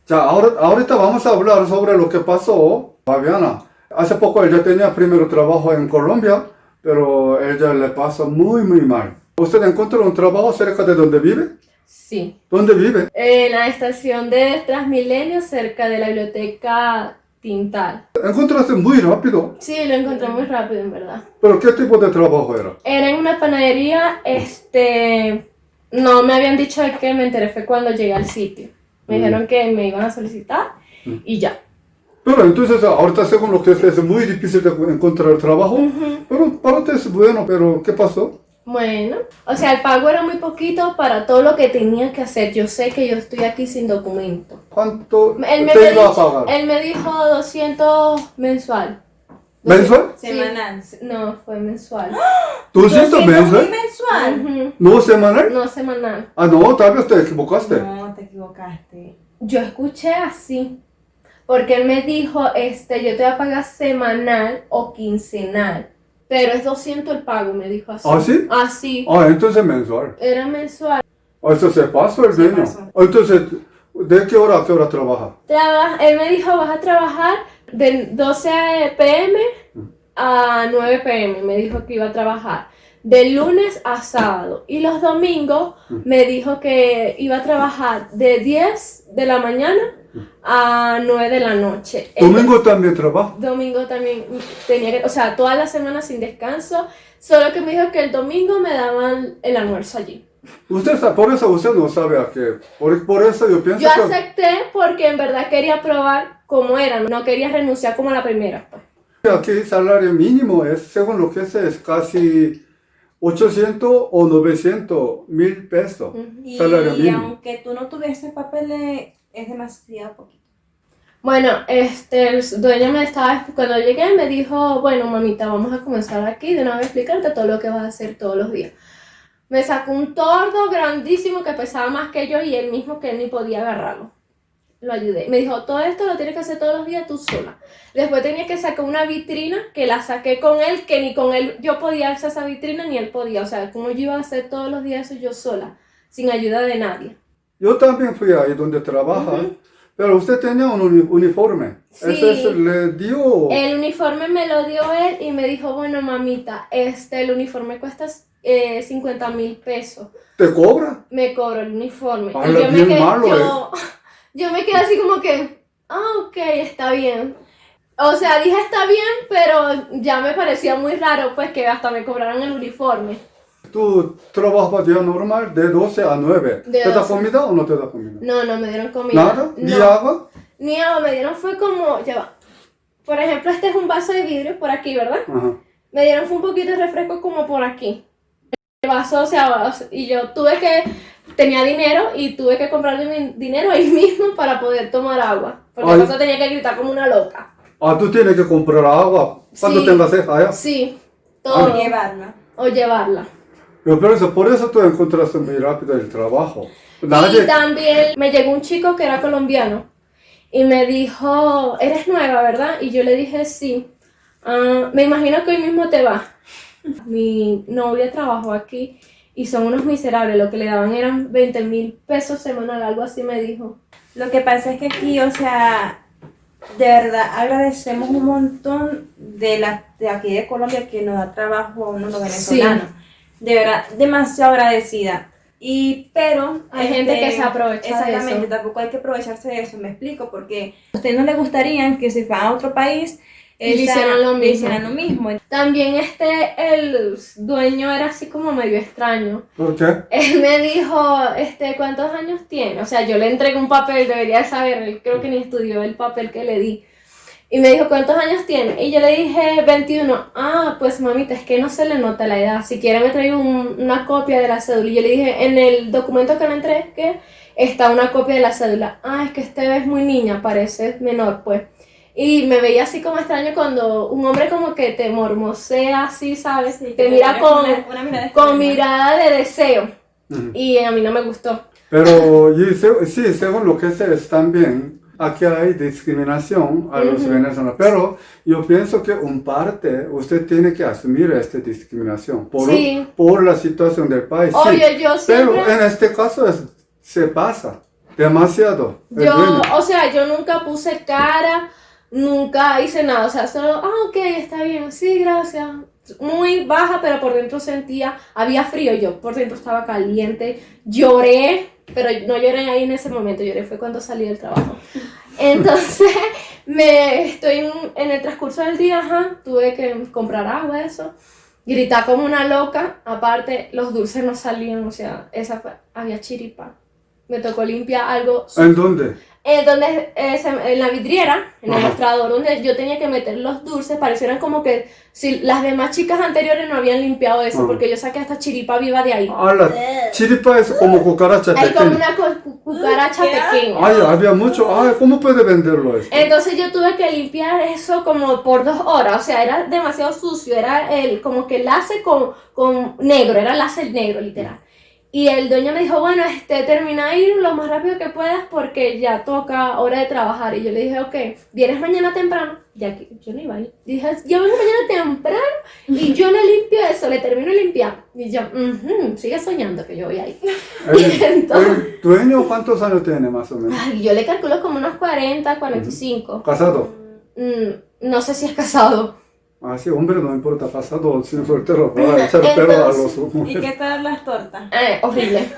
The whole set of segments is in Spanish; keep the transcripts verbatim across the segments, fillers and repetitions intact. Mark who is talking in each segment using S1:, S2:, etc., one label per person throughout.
S1: Ya, ahora, ahorita vamos a hablar sobre lo que pasó, Fabiana. Hace poco ella tenía primero trabajo en Colombia, pero ella le pasa muy, muy mal. ¿Usted encontró un trabajo cerca de donde vive?
S2: Sí.
S1: ¿Dónde vive?
S2: En la estación de Transmilenio, cerca de la biblioteca Tintal.
S1: Encontraste muy rápido.
S2: Sí, lo encontré muy rápido, en verdad.
S1: ¿Pero qué tipo de trabajo era?
S2: Era en una panadería, este... No me habían dicho de qué, me enteré fue cuando llegué al sitio. Me
S1: Mm.
S2: dijeron que me iban a solicitar y ya.
S1: Pero entonces ahorita según lo que es, es muy difícil de encontrar trabajo.
S2: Ujú.
S1: Pero para ti es bueno, pero ¿qué pasó?
S2: Bueno, o sea, el pago era muy poquito para todo lo que tenía que hacer. Yo sé que yo estoy aquí sin documento.
S1: ¿Cuánto
S2: Él me,
S1: te
S2: me
S1: iba a
S2: dijo,
S1: pagar?
S2: él me dijo doscientos mensual.
S1: ¿Mensual?
S2: Sí.
S3: Semanal.
S2: No, fue mensual.
S1: ¿doscientos mensual?
S3: mensual?
S2: Ujú.
S1: ¿No semanal?
S2: No semanal.
S1: Ah, no, tal vez te equivocaste.
S3: No, te equivocaste.
S2: Yo escuché así. Porque él me dijo, este, yo te voy a pagar semanal o quincenal. Pero es doscientos el pago, me dijo así.
S1: ¿Ah, sí?
S2: Así.
S1: Ah, entonces mensual.
S2: Era mensual.
S1: Ah, eso se pasó el
S3: Se
S1: dueño.
S3: pasó.
S1: Entonces, ¿de qué hora a qué hora trabaja?
S2: Traba- él me dijo, vas a trabajar de doce pe eme a nueve pe eme. Me dijo que iba a trabajar de lunes a sábado. Y los domingos me dijo que iba a trabajar de diez de la mañana a nueve de la noche. El
S1: Domingo también trabaja.
S2: domingo también tenía que, o sea, toda la semana sin descanso. Solo que me dijo que el domingo me daban el almuerzo allí.
S1: Usted está, por eso usted no sabe a qué. Por, por eso yo pienso
S2: Yo
S1: que
S2: acepté porque en verdad quería probar cómo era. No quería renunciar como a la primera, pues.
S1: aquí el salario mínimo es, según lo que sé, es casi ochocientos o novecientos mil pesos.
S3: Y
S1: Salario mínimo.
S3: aunque tú no tuvieses papeles, es demasiado poquito.
S2: Bueno, este, el dueño me estaba, cuando llegué me dijo, bueno mamita, vamos a comenzar aquí de una vez a explicarte todo lo que vas a hacer todos los días. Me sacó un tordo grandísimo que pesaba más que yo y él mismo que él ni podía agarrarlo. Lo ayudé. Me dijo, todo esto lo tienes que hacer todos los días tú sola. Después tenía que sacar una vitrina que la saqué con él, que ni con él yo podía alzar esa vitrina ni él podía. O sea, ¿cómo yo iba a hacer todos los días eso yo sola, sin ayuda de nadie?
S1: Yo también fui ahí donde trabaja,
S2: Ujú.
S1: pero usted tenía un uni- uniforme.
S2: Sí.
S1: Ese es- le dio.
S2: El uniforme me lo dio él y me dijo, bueno mamita, este, el uniforme cuesta eh, cincuenta mil pesos.
S1: ¿Te cobra?
S2: Me cobró el uniforme.
S1: Ah,
S2: y yo me,
S1: bien
S2: quedé,
S1: malo,
S2: yo, yo me quedé así como que, ah, ok, está bien. O sea, dije está bien, pero ya me parecía muy raro pues que hasta me cobraran el uniforme.
S1: ¿Tú trabajas día normal de doce a nueve?
S2: De
S1: ¿Te da
S2: doce.
S1: comida o no te da comida?
S2: No, no me dieron comida.
S1: ¿Nada? ¿Ni
S2: No.
S1: agua?
S2: Ni agua, me dieron fue como, ya va. Por ejemplo, este es un vaso de vidrio por aquí, ¿verdad?
S1: Ajá.
S2: Me dieron fue un poquito de refresco como por aquí. El vaso, o sea, o sea, y yo tuve que, tenía dinero y tuve que comprarle mi dinero ahí mismo para poder tomar agua. Porque
S1: Ay.
S2: el vaso tenía que gritar como una loca.
S1: Ah, tú tienes que comprar agua cuando
S2: Sí.
S1: tengas sed allá.
S2: Sí,
S3: O
S2: todo.
S3: llevarla.
S2: O llevarla.
S1: Pero por eso, por eso tú encontraste muy rápido el trabajo.
S2: Y también me llegó un chico que era colombiano y me dijo, eres nueva, ¿verdad? Y yo le dije, sí. Ah, me imagino que hoy mismo te vas. Mi novia trabajó aquí y son unos miserables. Lo que le daban eran veinte mil pesos semanal, algo así me dijo.
S3: Lo que pasa es que aquí, o sea, de verdad agradecemos un montón de, la, de aquí de Colombia que nos da trabajo a uno los venezolanos. De verdad, demasiado agradecida. Y, pero
S2: Hay gente que se aprovecha de
S3: exactamente,
S2: eso.
S3: tampoco hay que aprovecharse de eso, me explico, porque a ustedes no les gustaría que si fueran a otro país
S2: Y le
S3: esa-
S2: hicieran lo
S3: le
S2: mismo.
S3: hicieran lo mismo.
S2: También este, el dueño era así como medio extraño.
S1: ¿Por qué?
S2: Él me dijo, este, ¿cuántos años tiene? O sea, yo le entregué un papel, debería saber, él creo que ni estudió el papel que le di. Y me dijo, ¿cuántos años tiene? Y yo le dije, veintiuno. Ah, pues mamita, es que no se le nota la edad. Si quiere me traigo un- una copia de la cédula. Y yo le dije, en el documento que le entregué está una copia de la cédula. Ah, es que este es muy niña, parece menor, pues. Y me veía así como extraño cuando un hombre como que te mormosea así, ¿sabes?
S3: Sí,
S2: te
S3: que
S2: mira
S3: tengas
S2: con,
S3: una- una mirada
S2: con
S3: extraña.
S2: mirada de deseo.
S1: Ujú.
S2: Y a mí no me gustó.
S1: Pero y se- sí, según lo que sé es también, aquí hay discriminación a los
S2: Ujú.
S1: venezolanos, pero yo pienso que en parte usted tiene que asumir esta discriminación por,
S2: Sí.
S1: por la situación del país. sí.
S2: Obvio, yo
S1: Pero
S2: siempre...
S1: en este caso es- se pasa. demasiado. el
S2: Yo,
S1: dueño.
S2: o sea, yo nunca puse cara, nunca hice nada, o sea, solo, ah, ok, está bien, sí, gracias. Muy baja, pero por dentro sentía, había frío, yo por dentro estaba caliente, lloré, pero no lloré ahí en ese momento, lloré fue cuando salí del trabajo. Entonces, me estoy en, en el transcurso del día, ajá, tuve que comprar agua, eso, gritar como una loca, aparte los dulces no salían, o sea, esa fue- había chiripa. Me tocó limpiar algo
S1: ¿En dónde?
S2: eh, donde, eh, se- en la vidriera, en el
S1: Ajá.
S2: mostrador, donde yo tenía que meter los dulces, parecieran como que si las demás chicas anteriores no habían limpiado eso,
S1: Ajá.
S2: porque yo saqué esta chiripa viva de ahí.
S1: Ah, la chiripa es como cucaracha
S2: Hay como
S1: pequeña.
S2: una cu- cu- cucaracha
S3: ¿Qué?
S2: pequeña.
S1: Ay, había mucho. Ay, ¿cómo puede venderlo esto?
S2: Entonces yo tuve que limpiar eso como por dos horas, o sea, era demasiado sucio, era el, como que el láser con, con negro, era láser negro, literal. Y el dueño me dijo, bueno, este, termina de ir lo más rápido que puedas porque ya toca hora de trabajar. Y yo le dije, ok, ¿vienes mañana temprano? Ya que yo no iba a ir. Dije, yo vengo mañana temprano y yo le limpio eso, le termino de limpiar. Y yo, "Ujú, sigue soñando que yo voy a ir".
S1: El,
S2: entonces-
S1: el dueño, ¿cuántos años tiene más o menos?
S2: Ay, yo le calculo como unos cuarenta, cuarenta y cinco.
S1: Casado.
S2: Mm, no sé si es casado.
S1: Ah, sí, hombre, no importa, casado, sin soltero, para echar perro a los
S3: ¿Y qué tal las tortas?
S2: Eh, horrible.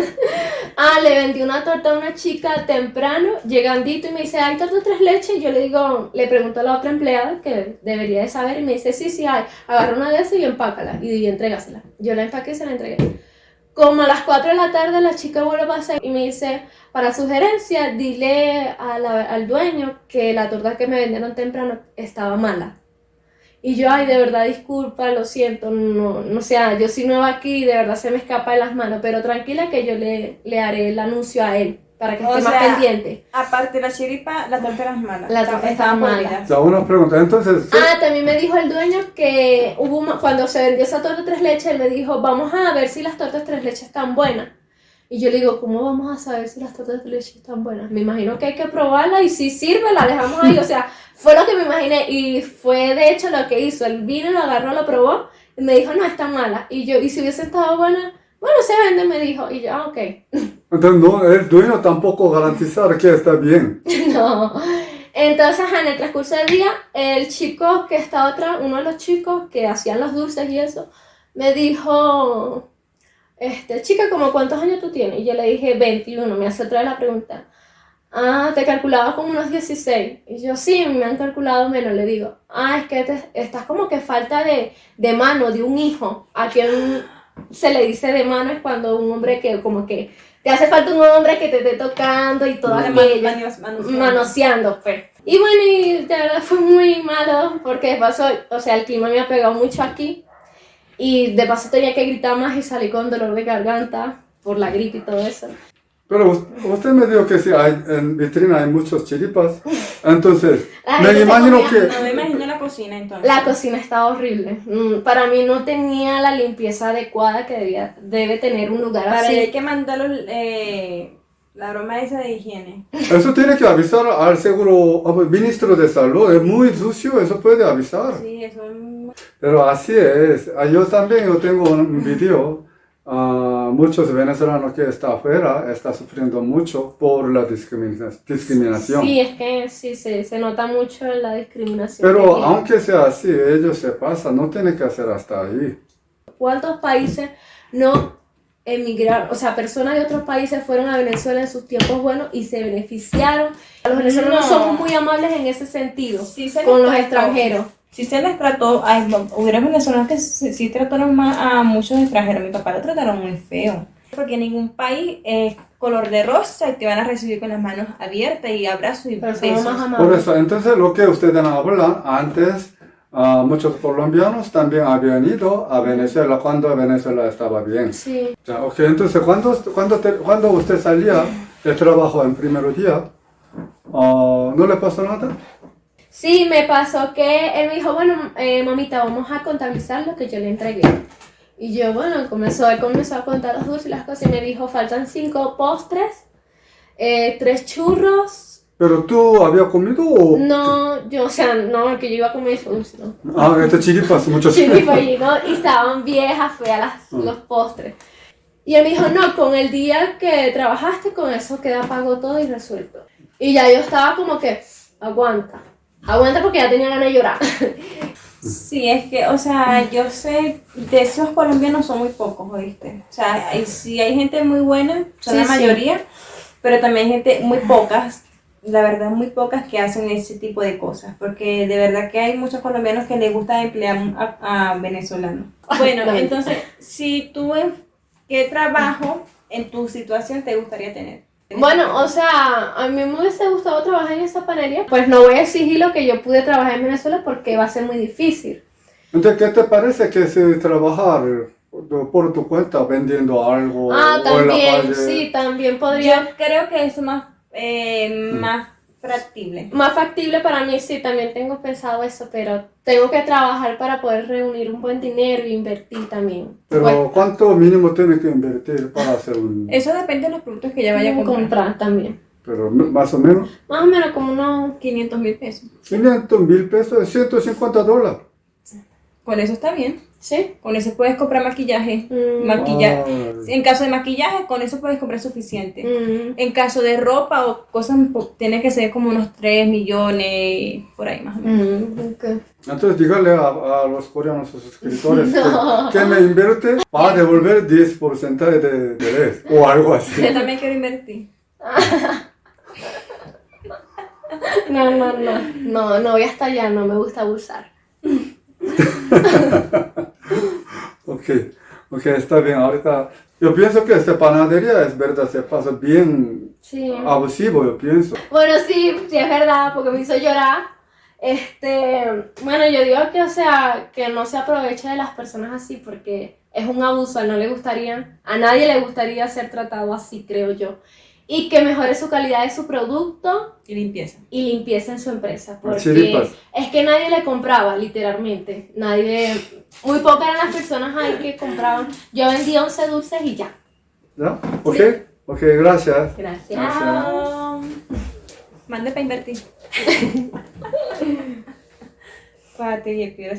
S2: Ah, le vendí una torta a una chica temprano, llegandito, y me dice, ¿hay torta tres leches? Y yo le digo, le pregunto a la otra empleada, que debería de saber, y me dice, sí, sí hay. Agarra una de esas y empácala, y, y entrégasela. Yo la empaqué y se la entregué. Como a las cuatro de la tarde la chica vuelve a pasar y me dice, para sugerencia, dile a la- al dueño que la torta que me vendieron temprano estaba mala. Y yo, ay, de verdad, disculpa, lo siento, no, no sea, yo soy nueva aquí, de verdad se me escapa de las manos, pero tranquila que yo le, le haré el anuncio a él, para que
S3: O
S2: esté
S3: sea,
S2: más pendiente.
S3: Aparte de la chiripa, la torta era mala.
S2: La
S3: Estaban-
S2: torta
S3: estaban
S2: estaba mala.
S3: podridas.
S1: Ya, una pregunta, entonces, ¿sí?
S2: Ah, también me dijo el dueño que hubo una- cuando se vendió esa torta tres leches, él me dijo, vamos a ver si las tortas tres leches están buenas. Y yo le digo, ¿cómo vamos a saber si las tortas tres leches están buenas? Me imagino que hay que probarla y si sirve la dejamos ahí, o sea, fue lo que me imaginé y fue de hecho lo que hizo. Él vino, lo agarró, lo probó y me dijo, no, está mala. Y yo, ¿y si hubiese estado buena? Bueno, se vende, me dijo. Y yo, ah, ok.
S1: Entonces, no, el dueño tampoco garantizar que está bien.
S2: No. Entonces, en el transcurso del día, el chico que estaba atrás, uno de los chicos que hacían los dulces y eso, me dijo, este, chica, ¿cómo cuántos años tú tienes? Y yo le dije, veintiuno. Me hace otra vez la pregunta. Ah, te calculaba como unos dieciséis. Y yo, sí, me han calculado menos. Le digo, ah, es que te- estás como que falta de, de mano, de un hijo. A quien se le dice de mano es cuando un hombre que como que te hace falta un hombre que te esté tocando y todo
S3: Man-
S2: aquello.
S3: manios- manoseando.
S2: Manoseando, pues. Y bueno, y de verdad fue muy malo porque de paso, o sea, el clima me ha pegado mucho aquí y de paso tenía que gritar más y salí con dolor de garganta por la gripe y todo eso.
S1: Pero us- usted me dijo que sí, hay, en vitrina hay muchos chiripas. Entonces,
S2: La
S1: me
S2: gente se
S1: imagino
S2: comía-
S1: que...
S3: No me imagino la cocina entonces.
S2: La cocina estaba horrible. Mm, Para mí no tenía la limpieza adecuada que debía, debe tener un lugar
S3: Para
S2: así.
S3: ello hay que mandarlo eh, la broma esa de higiene.
S1: Eso tiene que avisar al seguro, al ministro de salud. Es muy sucio, eso puede avisar.
S3: Sí, eso es muy...
S1: Pero así es. Ah, Yo también yo tengo un video. ah, muchos venezolanos que están afuera están sufriendo mucho por la discrimina- discriminación.
S2: Sí, es que sí, se, se nota mucho la discriminación.
S1: Pero
S2: que tiene.
S1: aunque sea así, ellos se pasan, no tienen que hacer hasta ahí.
S2: ¿Cuántos países no emigraron? O sea, personas de otros países fueron a Venezuela en sus tiempos buenos y se beneficiaron. Los venezolanos
S3: No.
S2: somos muy amables en ese sentido
S3: Sí se
S2: con
S3: les
S2: los
S3: trató.
S2: extranjeros.
S3: Sí se les trató, ay, no, hubieron venezolanos que sí, sí trataron más a muchos extranjeros. Mi papá lo trataron muy feo. Porque en ningún país es color de rosa y te van a recibir con las manos abiertas y abrazos y
S2: Pero somos
S3: besos.
S2: más
S1: Por
S2: amables.
S1: eso, entonces lo que ustedes hablan, antes ah, muchos colombianos también habían ido a Venezuela cuando Venezuela estaba bien.
S2: Sí.
S1: Ya, ok, entonces cuando, cuando, te- cuando usted salía de trabajo en primer día, ah, ¿no le pasó nada?
S2: Sí, me pasó que él me dijo, bueno, eh, mamita, vamos a contabilizar lo que yo le entregué. Y yo, bueno, comenzó, él comenzó a contar los dulces y las cosas y me dijo, faltan cinco postres, eh, tres churros.
S1: ¿Pero tú habías comido o...?
S2: No, yo, o sea, no, que yo iba a comer eso dulce, ¿no?
S1: Ah, este chiripas, muchos
S2: Chiripa allí, ¿no? Y estaban viejas, feas las,
S1: Mm.
S2: los postres. Y él me dijo, no, con el día que trabajaste, con eso queda pago todo y resuelto. Y ya yo estaba como que, aguanta, aguanta porque ya tenía ganas de llorar.
S3: Sí, es que, o sea, yo sé, de esos colombianos son muy pocos, ¿oíste? O sea, hay, sí hay gente muy buena, son
S2: Sí,
S3: la
S2: sí.
S3: mayoría, pero también hay gente muy pocas, la verdad muy pocas que hacen ese tipo de cosas, porque de verdad que hay muchos colombianos que les gusta emplear a, a venezolanos. Bueno,
S2: No.
S3: entonces, si tú, en- ¿qué trabajo en tu situación te gustaría tener?
S2: Bueno, o sea, a mí me hubiese gustado trabajar en esa panadería, pues no voy a exigir lo que yo pude trabajar en Venezuela porque va a ser muy difícil.
S1: Entonces, ¿qué te parece que si trabajar por tu cuenta vendiendo algo
S2: Ah,
S1: o en la
S2: también,
S1: calle?
S2: sí, también podría.
S3: Yo creo que eso es más, eh, más factible.
S2: Más factible para mí, sí, también tengo pensado eso, pero tengo que trabajar para poder reunir un buen dinero e invertir también.
S1: Pero
S2: Bueno,
S1: ¿cuánto mínimo tienes que invertir para hacer un...
S3: Eso depende de los productos que ella vaya a comprar.
S2: comprar también.
S1: Pero más o menos
S2: Más o menos como unos...
S3: quinientos mil pesos.
S1: quinientos mil pesos, ciento cincuenta dólares.
S3: Con eso está bien.
S2: ¿Sí?
S3: Con eso puedes comprar maquillaje.
S2: Mm.
S3: Maquillaje.
S1: Ay.
S3: En caso de maquillaje, con eso puedes comprar suficiente.
S2: Mm.
S3: En caso de ropa o cosas, po- tiene que ser como unos tres millones, por ahí más o menos.
S2: Mm, ok.
S1: Entonces dígale a, a los coreanos, sus suscriptores,
S2: No.
S1: que, que me invierte para devolver diez por ciento de de interés o algo así.
S3: Yo también quiero invertir.
S2: No, no, no, no, no voy hasta allá, no me gusta abusar.
S1: Ok, ok, está bien. Ahorita, yo pienso que esta panadería es verdad, se pasa bien
S2: Sí.
S1: abusivo, yo pienso.
S2: Bueno, sí, sí es verdad, porque me hizo llorar. Este, bueno, yo digo que, o sea, que no se aproveche de las personas así, porque es un abuso, a él no le gustaría, a nadie le gustaría ser tratado así, creo yo. Y que mejore su calidad de su producto
S3: Y limpieza.
S2: y limpieza en su empresa, porque
S1: Chiripas.
S2: es que nadie le compraba, literalmente. Nadie, muy pocas eran las personas ahí que compraban. Yo vendía once dulces y ya.
S1: ¿Ya? Ok, ok, gracias.
S2: Gracias.
S3: Chao. Mande para invertir. Pate, y el